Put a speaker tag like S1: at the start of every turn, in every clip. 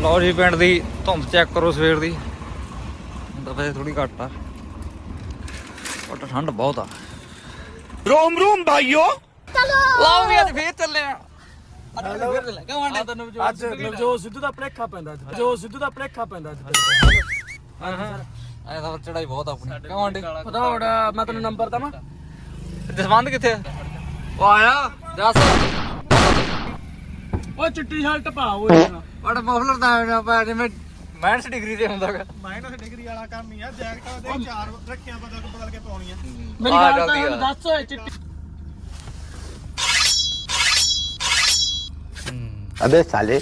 S1: ਲਓ ਜੀ ਪਿੰਡ ਦੀ ਧੁੰਦ ਚੈੱਕ ਕਰੋ ਸਵੇਰ ਦੀ। ਤਾਂ ਵੈਸੇ ਥੋੜੀ ਘੱਟ ਆ ਬਟ ਠੰਡ ਬਹੁਤ ਆ।
S2: रोम रोम भाइयों
S1: ਲਾਓ ਵੀ ਅੱਜ ਫੇਰ ਚੱਲੇ ਆ।
S3: ਅੱਜ ਜੋ ਸਿੱਧੂ ਦਾ ਭਲੇਖਾ ਪੈਂਦਾ ਜੋ ਸਿੱਧੂ ਦਾ ਭਲੇਖਾ ਪੈਂਦਾ
S1: ਐ ਤਾਂ ਚੜਾਈ ਬਹੁਤ ਆਪਣੀ ਕਿਉਂ ਆਂਟੀ
S3: ਪਤਾ ਹੁਣ ਮੈਂ ਤੈਨੂੰ ਨੰਬਰ ਦਵਾਂ
S1: ਜਸਵੰਤ ਕਿੱਥੇ ਆ? ਉਹ ਆਇਆ ਦੱਸ।
S3: ਉਹ ਚਿੱਟੀ ਸ਼ਰਟ ਪਾ ਓਏ
S1: ਬਟ ਮਫਲਰ ਤਾਂ ਪਾ ਜਿਵੇਂ ਮਾਈਨਸ ਡਿਗਰੀ ਤੇ ਹੁੰਦਾਗਾ।
S2: माइनस डिग्री वाला काम नहीं है जैकेट दे चार रखियां बदल के पाउनी है।
S3: ਮੇਰੀ ਗੱਲ ਤਾਂ ਦੱਸ ਓਏ ਚਿੱਟੀ
S4: अबे साले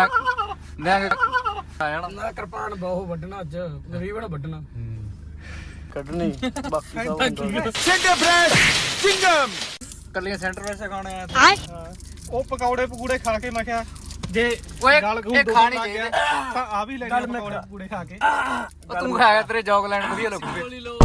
S1: ਆਇਆ ਨਾ
S3: ਨਾ ਕਿਰਪਾਨ ਬਹੁਤ ਵੱਢਣਾ ਅੱਜ ਗਰੀਬਣ ਵੱਢਣਾ ਕੱਢਣੀ ਬਾਕੀ
S2: चिंगम
S1: ਕੱਲੀਆਂ ਸੈਂਟਰ ਵੈਸੇ ਖਾਣੇ ਆ।
S2: ਉਹ ਪਕੌੜੇ ਪਕੂੜੇ ਖਾ ਕੇ ਮੈਂ ਕਿਹਾ ਜੇ
S1: ਓਏ
S2: ਗਲ
S1: ਇਹ ਖਾਣੀ ਚਾਹੀਦੀ
S2: ਤਾਂ ਆ ਵੀ ਲੈਣੇ ਪਕੌੜੇ ਪਕੂੜੇ ਖਾ ਕੇ
S1: ਤੂੰ ਖਾਇਆ ਤੇਰੇ ਜੌਗਲੈਂਡ ਵਧੀਆ ਲੱਗੂਗੇ।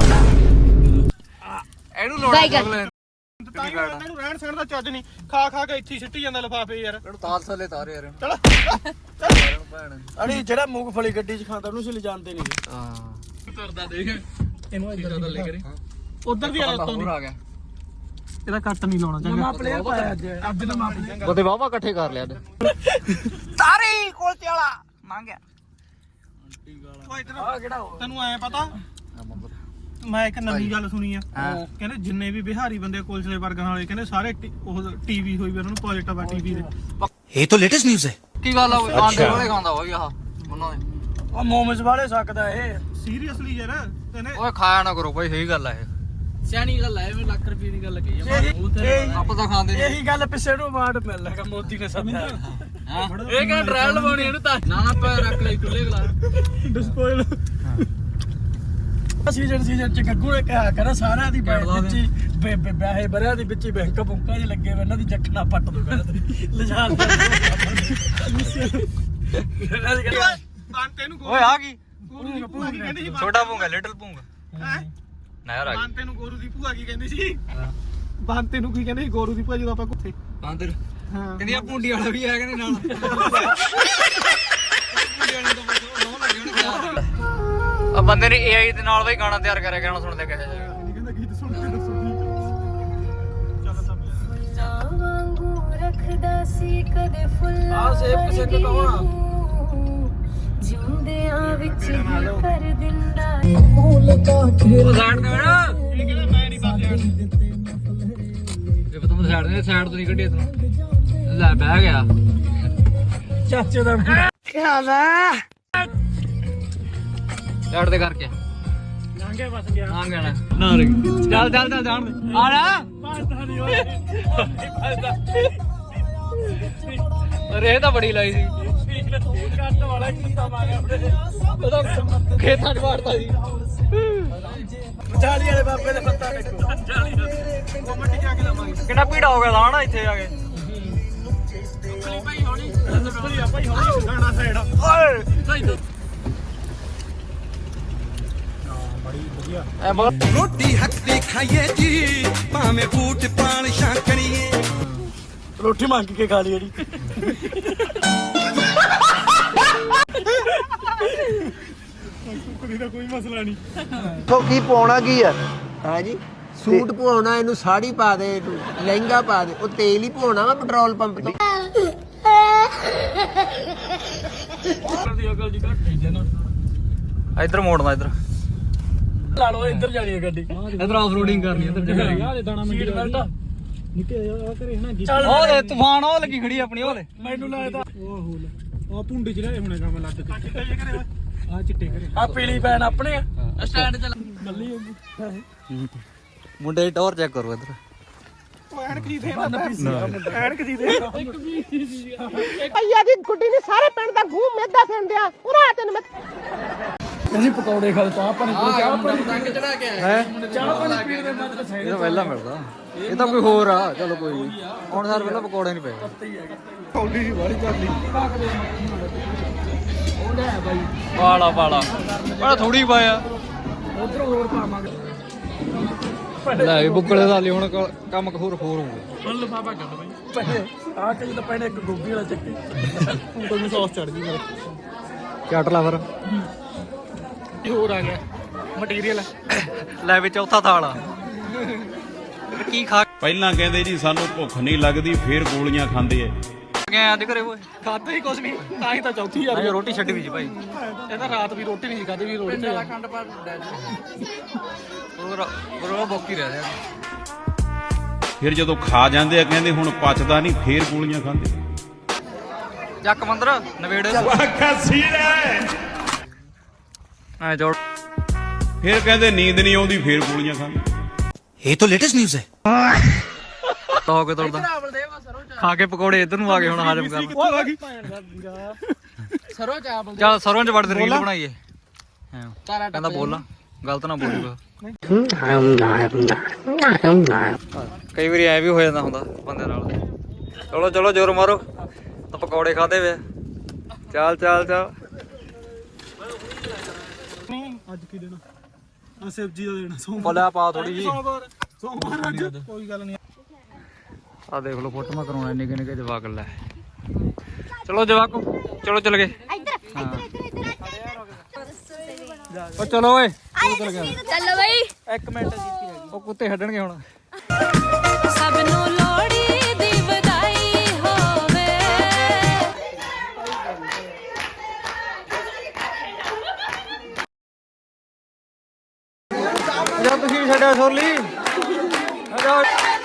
S1: ਇਹਨੂੰ ਲੋੜਾ ਜੌਗਲੈਂਡ
S2: ਤਾਂ ਹੀ ਇਹਨਾਂ ਨੂੰ ਰਹਿਣ ਸਹਿਣ ਦਾ ਚੱਜ ਨਹੀਂ ਖਾ ਖਾ ਕੇ ਇੱਥੇ ਹੀ ਸਿੱਟੀ ਜਾਂਦਾ ਲਿਫਾਫੇ ਯਾਰ।
S1: ਇਹਨੂੰ ਤਾਲ ਥੱਲੇ ਤਾਰੇ ਯਾਰ
S2: ਚਲ
S1: ਇਹਨੂੰ ਭੈਣ।
S3: ਅੜੀ ਜਿਹੜਾ ਮੂੰਗਫਲੀ ਗੱਡੀ 'ਚ ਖਾਂਦਾ ਉਹਨੂੰ ਸੀ ਲਿਜਾਣਦੇ ਨਹੀਂ
S1: ਹਾਂ
S3: ਕਰਦਾ ਦੇਖ ਇਹਨੂੰ ਇਧਰ ਥੱਲੇ ਕਰੀ
S2: ਉਧਰ ਦੀ ਹਾਲਤ
S1: ਹੋਰ ਆ ਗਿਆ।
S2: ਇਹਦਾ ਕੱਟ ਨਹੀਂ ਲਾਉਣਾ
S3: ਨਵਾਂ ਪਲੇਅਰ ਪਾਇਆ ਅੱਜ ਦਾ ਮਾਪ
S1: ਉਹਦੇ ਵਾਵਾ ਇਕੱਠੇ ਕਰ ਲਿਆ ਤਾਰੀ ਕੋਲਚੇ ਵਾਲਾ ਮੰਗਿਆ।
S2: ਓਏ ਇਧਰ
S3: ਆ ਕਿਹੜਾ
S2: ਤੈਨੂੰ ਐ ਪਤਾ ਮੈਂ ਇੱਕ ਨਵੀਂ ਗੱਲ ਸੁਣੀ ਆ
S1: ਹਾਂ
S2: ਕਹਿੰਦੇ ਜਿੰਨੇ ਵੀ ਬਿਹਾਰੀ ਬੰਦੇ ਕੋਲਸਲੇ ਵਰਗਾਂ ਵਾਲੇ ਕਹਿੰਦੇ ਸਾਰੇ ਉਹ ਟੀਵੀ ਹੋਈ ਵੀ ਉਹਨਾਂ ਨੂੰ ਪੋਜ਼ਿਟਿਵ ਆ ਟੀਵੀ ਦੇ।
S4: ये तो लेटेस्ट न्यूज है।
S1: ਕੀ ਗੱਲ ਆ ਆਂਡੇ ਵਾਲੇ ਖਾਂਦਾ ਹੋਈ ਆਹ ਉਹਨਾਂ ਦੇ।
S3: ਉਹ ਮੋਮਸ ਵਾਲੇ ਸਕਦਾ ਇਹ
S2: ਸੀਰੀਅਸਲੀ ਯਾਰ ਕਹਿੰਦੇ
S1: ਓਏ ਖਾਇਆ ਨਾ ਕਰੋ ਭਾਈ ਸਹੀ ਗੱਲ ਆ ਇਹ।
S3: ਸਿਆਣੀ ਗੱਲ ਹੈ ਲੱਖ ਰੁਪਏ ਦੀ ਗੱਲ ਕਹੀ
S1: ਆਪਾਂ ਤਾਂ ਖਾਂਦੇ ਨਹੀਂ।
S3: ਇਹੀ ਗੱਲ ਪਿੱਛੇ ਨੂੰ ਅਵਾਰਡ ਮਿਲ ਲੱਗਾ ਮੋਦੀ ਨੇ ਸਭ
S1: ਹਾਂ
S3: ਇਹ ਕਹਿੰਦਾ ਟ੍ਰਾਇਲ ਲਵਾਉਣੀ ਇਹਨੂੰ ਤਾਂ ਨਾ ਨਾ ਪੈ ਰੱਖ ਲੈ ਖੁੱਲੇ ਗਲਾ
S2: ਡਿਸਪੋਇਲ
S3: ਸੀਜ਼ਨ ਚ ਗੱਗੂ ਨੇ ਕਿਹਾ ਕਰਾ ਸਾਰਿਆਂ ਦੀ ਵਿੱਚ ਹੀ ਵਿਆਹੇ ਬਰਿਆਂ ਦੀ ਵਿੱਚ ਹੀ ਬੈਂਕ ਬੁੰਕਾਂ 'ਚ ਲੱਗੇ ਵੇ ਇਹਨਾਂ ਦੀ ਜੱਖਣਾ ਪੱਟ ਦੋ ਕਹਿੰਦਾ ਲਿਜਾ
S2: ਬਾਂਤੇ ਨੂੰ
S1: ਓਏ ਆ ਕੀ
S2: ਗੋਰੂ ਦੀ ਭੂਆ ਕੀ ਕਹਿੰਦੀ ਸੀ
S1: ਛੋਟਾ ਪੂੰਗਾ ਲਿਟਲ ਪੂੰਗਾ
S2: ਹੈਂ?
S1: ਨਾ ਯਾਰ ਆ ਗਈ
S2: ਬਾਂਤੇ ਨੂੰ ਗੋਰੂ ਦੀ ਭੂਆ ਕੀ ਕਹਿੰਦੀ ਸੀ ਬਾਂਤੇ ਨੂੰ ਕੀ ਕਹਿੰਦੇ ਸੀ ਗੋਰੂ ਦੀ ਭੂਆ ਜਦੋਂ ਆਪਾਂ ਕੁੱਥੇ
S1: ਬਾਂਦਰ
S2: ਹਾਂ
S1: ਕਹਿੰਦੀ ਆ ਭੁੰਡੀ ਵਾਲਾ ਵੀ ਆਇਆ ਕਹਿੰਦੇ ਨਾਲ ਆ ਬੰਦੇ ਨੇ AI ਦੇ ਨਾਲ ਬਈ ਗਾਣਾ ਤਿਆਰ ਕਰਿਆ ਗਾਣਾ ਸੁਣਦੇ ਕਿਹਾ ਜਾਏਗਾ।
S2: ਨਹੀਂ ਕਹਿੰਦਾ ਗੀਤ ਸੁਣ ਕੇ ਦੱਸੋ ਚੱਲ ਤਾਂ
S5: ਵਾਂਗੂ ਰੱਖਦਾ ਸੀ ਕਦੇ ਫੁੱਲਾਂ
S3: ਆਹ ਸੇਬ ਕਿਸੇ ਤੋਂ ਕਹੋਣਾ
S5: ਜਿਉਂਦਿਆਂ ਵਿੱਚ ਹੀ ਕਰ ਦਿੰਦਾ
S1: ਉਹ ਸਾਈਡ ਤੇ ਬੈਠਾ
S2: ਇਹ ਕਹਿੰਦਾ ਮੈਂ ਨਹੀਂ ਬਾਤ ਯਾਰ
S1: ਇਹ ਪਤਾ ਮੈਂ ਸਾਈਡ ਤੋਂ ਨਹੀਂ ਕੱਢੀ ਇਤਨਾ ਲੈ ਬਹਿ ਗਿਆ
S3: ਚਾਚੇ ਦਾ
S1: ਸਾਈਡ ਤੇ ਕਰਕੇ
S3: ਲੰਘੇ ਬਸ ਗਿਆ
S1: ਆ ਗਿਆ ਨਾ ਰੇ ਚੱਲ ਚੱਲ ਚੱਲ ਜਾਣ ਦੇ ਆ ਜਾ
S3: ਪਾਸਦਾ ਨਹੀਂ ਹੋਏ
S1: ਅਰੇ ਇਹ ਤਾਂ ਬੜੀ ਲਾਈ ਸੀ
S3: ਕੱਟ ਵਾਲਾ ਕੁੱਤਾ ਮਾਰਿਆ ਆਪਣੇ
S1: ਉਹਦਾ ਖੇਤਾਂ 'ਚ ਵਾੜਦਾ ਸੀ
S3: ਵਿਚਾਲੀ ਵਾਲੇ ਬਾਬੇ ਦੇ ਪੱਤਾ ਦੇਖੋ
S2: ਕਮੈਂਟ ਜਾ ਕੇ ਲਾਵਾਂਗੇ
S1: ਕਿੰਨਾ ਭੀੜਾ ਹੋ ਗਿਆ ਤਾਂ ਨਾ ਇੱਥੇ ਆ ਕੇ
S3: ਭਾਈ ਹੋਣੀ
S2: ਭਾਈ ਆਪਾਂ ਹੀ ਹੌਲੀ ਗਾਣਾ ਸਾਈਡ
S1: ਐ ਬਹੁਤ
S4: रोटी हक दी खाइए जी भावे बूट पान शाकड़िए।
S3: ਰੋਟੀ ਮੰਗ ਕੇ ਖਾ ਲਈ ਜਿਹੜੀ
S2: ਕੁੜੀ ਦਾ ਕੋਈ ਮਸਲਾ ਨਹੀਂ
S6: तो की पाਉਣਾ ਕੀ ਆ ਹੈ ਜੀ ਸੂਟ ਪਾਉਣਾ ਇਹਨੂੰ ਸਾੜੀ ਪਾ ਦੇ ਇਹਨੂੰ ਲਹਿੰਗਾ ਪਾ ਦੇ ਉਹ ਤੇਲ ਹੀ ਪਾਉਣਾ ਵਾ ਪੈਟਰੋਲ ਪੰਪ ਤੋਂ
S3: ਦੀ ਅਕਲ ਦੀ ਘੱਟ ਹੀ ਨਾ
S1: ਇੱਧਰ ਮੋੜਨਾ ਇੱਧਰ
S3: ਲਾ ਲਓ ਇੱਧਰ ਜਾਣੀ ਹੈ ਗੱਡੀ
S1: ਇੱਧਰ ਆਫ ਰੋਡਿੰਗ ਕਰਨੀ ਇੱਧਰ
S3: ਆ ਦੇ ਦਾਣਾ ਮੰਡੀ ਬੈਲਟ
S2: ਨਿੱਕੇ ਆ ਕਰੇ ਹਨਾ
S3: ਚੱਲ
S1: ਉਹ ਦੇ ਤੂਫਾਨ ਉਹ ਲੱਗੀ ਖੜੀ ਆਪਣੀ ਉਹ ਦੇ
S3: ਮੈਨੂੰ ਲੱਗਦਾ
S2: ਉਹ ਹੋਲ ਉਹ ਪੁੰਡੀ ਚ ਰਹੇ ਹੁਣੇ ਕੰਮ ਲੱਗ ਕੇ ਆ ਚਿੱਟੇ ਕਰੇ
S3: ਆ ਪੀਲੀ ਪੈਣ ਆਪਣੇ ਆ
S1: ਸਟੈਂਡ ਤੇ ਮੁੰਡੇ ਦੀ ਟੌਰ ਚੈੱਕ ਕਰੋ ਇੱਧਰ
S2: ਉਹ ਐਨਕ ਜੀ ਦੇ ਐਨਕ ਜੀ ਦੇ
S7: ਭਈਆ ਦੀ ਗੁੱਡੀ ਨੇ ਸਾਰੇ ਪਿੰਡ ਦਾ ਗੂੰ ਮੇਦਾ ਫਿੰਡਿਆ ਉਹਨਾਂ ਤੈਨੂੰ ਮੈਂ
S3: ਅਸੀਂ ਪਕੌੜੇ ਖਾ ਚਾਹ ਪਾਣੀ ਚਾਹ ਪਾਣੀ
S1: ਟੰਗ ਚੜਾ ਕੇ
S3: ਹੈ ਚਾਹ ਪਾਣੀ ਪੀਣ ਦੇ ਮਤਲਬ
S1: ਇਹ
S3: ਸਾਈਡ
S1: ਤਾਂ ਪਹਿਲਾਂ ਮਿਲਦਾ ਇਹ ਤਾਂ ਕੋਈ ਹੋਰ ਆ ਚਲੋ ਕੋਈ ਨਹੀਂ ਹੁਣ ਸਾਰ ਪਹਿਲਾਂ ਪਕੌੜੇ ਨਹੀਂ ਪਏ
S2: ਕੌਡੀ ਦੀ ਵਾਲੀ ਚੱਲਦੀ
S3: ਉਹ ਲੈ ਬਾਈ
S1: ਪਾਲਾ ਪਾਲਾ ਬੜਾ ਥੋੜੀ ਪਾਇਆ
S3: ਉਧਰੋਂ ਹੋਰ ਪਾਵਾਂਗੇ
S1: ਲੈ ਵੀ ਬੁੱਕਲੇ ਦਾ ਲਈ ਹੁਣ ਕੰਮ ਹੋਰ ਹੋਰ ਹੋਊਗਾ
S2: ਹੁਣ ਲਫਾਫਾ ਕੱਢ ਬਈ
S3: ਪਹਿਲੇ ਆ ਕੇ ਜਦੋਂ ਪਹਿਲੇ ਇੱਕ ਗੋਭੀ ਵਾਲਾ ਚੱਕੀ
S2: ਉਂਗਲ ਨੂੰ ਸੌਸ ਚੜ ਗਈ ਮੇਰੇ
S1: ਚੱਟ ਲਾ ਫਿਰ
S2: ਇਹ ਹੋਰ ਆ ਗਿਆ ਮਟੀਰੀਅਲ।
S1: ਲੈ ਵੀ ਚੌਥਾ ਥਾਲ ਆ ਕੀ ਖਾ
S8: ਪਹਿਲਾਂ ਕਹਿੰਦੇ ਜੀ ਸਾਨੂੰ ਭੁੱਖ ਨਹੀਂ ਲੱਗਦੀ ਫੇਰ ਗੋਲੀਆਂ ਖਾਂਦੇ ਐ
S1: ਗਏ ਅੱਜ ਘਰੇ ਓਏ
S2: ਖਾਦਾ ਹੀ ਕੁਝ ਨਹੀਂ ਤਾਂ ਹੀ ਤਾਂ ਚੌਥੀ ਆ
S1: ਨਹੀਂ ਰੋਟੀ ਛੱਡੀ ਵੀ ਸੀ ਭਾਈ
S2: ਇਹ ਤਾਂ ਰਾਤ ਵੀ ਰੋਟੀ ਨਹੀਂ ਖਾਦੀ ਵੀ ਰੋਟੀ
S1: ਬਰੋ ਬੋਕੀ ਰਹਿ ਰਿਹਾ
S8: ਫਿਰ ਜਦੋਂ ਖਾ ਜਾਂਦੇ ਆ ਕਹਿੰਦੇ ਹੁਣ ਪਚਦਾ ਨਹੀਂ ਫੇਰ ਗੋਲੀਆਂ ਖਾਂਦੇ
S1: ਚੱਕ ਮੰਦਰ ਨਵੇੜੇ ਐ ਜੋੜ
S8: ਫਿਰ ਕਹਿੰਦੇ ਨੀਂਦ ਨਹੀਂ ਆਉਂਦੀ ਫੇਰ ਗੋਲੀਆਂ ਖਾਂਦੇ
S1: ਹੋ ਕੇ ਤੋੜਦਾ ਖਾ ਕੇ ਪਕੌੜੇ ਇਧਰ ਨੂੰ ਆ ਗਏ ਹੁਣ ਹਾਜ਼ਮ ਕਰਨ
S2: ਉਹ ਆ ਗਈ
S3: ਸਰੋਂ ਚਾਵਲ
S1: ਚੱਲ ਸਰੋਂ ਚ ਵੜ ਦੇ ਰੀਲ ਬਣਾਈਏ ਕਹਿੰਦਾ ਬੋਲ ਗਲਤ ਨਾ ਬੋਲੂਗਾ ਕਈ ਵਾਰੀ ਐ ਵੀ ਹੋ ਜਾਂਦਾ ਹੁੰਦਾ ਬੰਦੇ ਨਾਲ ਚਲੋ ਚਲੋ ਜ਼ੋਰ ਮਾਰੋ ਤਾਂ ਪਕੌੜੇ ਖਾਦੇ ਵੇ ਚੱਲ ਚੱਲ ਚੱਲ
S2: ਅੱਜ ਕੀ ਦੇਣਾ ਆ ਸਬਜ਼ੀ ਦਾ ਦੇਣਾ
S1: ਬੋਲਿਆ ਪਾ ਥੋੜੀ ਜੀ
S2: ਸੋਮਵਾਰ ਅੱਜ ਕੋਈ ਗੱਲ ਨਹੀਂ।
S1: ਆ ਦੇਖ ਲਓ ਫੋਟੋ ਮੈਂ ਕਰਾਉਣਾ ਨਿੱਕੇ ਨਿੱਕੇ ਜਵਾਕ ਲੈ ਚਲੋ ਜਵਾਕੋ ਚਲੋ ਚੱਲ ਗਏ ਉਹ ਚਲੋ ਓਏ
S5: ਚੱਲ ਬਈ
S1: ਇੱਕ ਮਿੰਟ ਉਹ ਕੁੱਤੇ ਛੱਡਣਗੇ ਹੁਣ
S5: ਸਭ ਨੂੰ ਲੋਹੜੀ ਦੀ ਵਧਾਈ ਹੋਵੇ।
S1: ਜਾ ਤੁਸੀਂ ਵੀ ਛੱਡਿਆ ਸੋਰਲੀ ਜਾ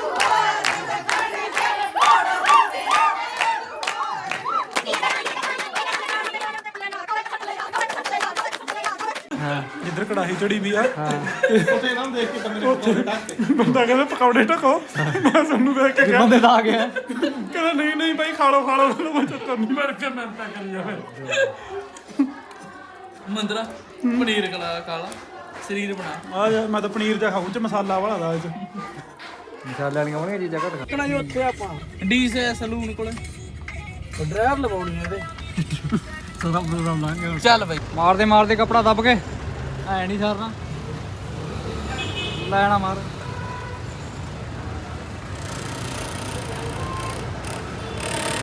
S2: ਜਿੱਧਰ ਕੜਾਹੀ ਚੜੀ ਵੀ ਆ ਉੱਥੇ ਇਹਨਾਂ ਨੂੰ ਦੇਖ ਕੇ ਬੰਦਾ ਕਹਿੰਦਾ ਪਕੌੜੇ ਢਕੋ ਮੈਂ ਸਾਨੂੰ ਦੇਖ ਕੇ
S1: ਬੰਦੇ ਤਾਂ ਆ ਗਏ
S2: ਕਹਿੰਦਾ ਨਹੀਂ ਨਹੀਂ ਭਾਈ ਖਾ ਲਓ ਮੈਂ ਚੱਕਰ ਨਹੀਂ ਮਰ ਕੇ ਮਿਹਨਤਾਂ ਕਰੀ ਜਾਵੇ।
S3: ਮੰਦਰਾ ਪਨੀਰ ਕਾਲਾ ਸਰੀਰ ਬਣਾ
S2: ਆ ਜਾ ਮੈਂ ਤਾਂ ਪਨੀਰ ਦਾ ਖਾਉਂ ਚ ਮਸਾਲਾ ਵਾਲਾ ਦਾ ਇਹ ਚ
S1: ਮਸਾਲੇ ਵਾਲੀਆਂ ਹੋਣਗੀਆਂ ਚੀਜ਼ਾਂ ਘੱਟ
S2: ਕਿਹੜਾ ਜੀ ਉੱਥੇ ਆਪਾਂ
S3: ਡੀਸ ਹੈ ਸਲੂਨ ਕੋਲੇ
S2: ਡਰਾਈਵਰ ਲਵਾਉਣੀ ਇਹਦੇ
S1: ਸਭ ਪ੍ਰੋਗਰਾਮ ਲਾਂਗੇ
S3: ਚੱਲ ਬਈ
S1: ਮਾਰਦੇ ਮਾਰਦੇ ਕਪੜਾ ਦੱਬ ਕੇ ਐ ਨਹੀਂ ਸਰਨਾ ਲੈਣਾ ਮਾਰ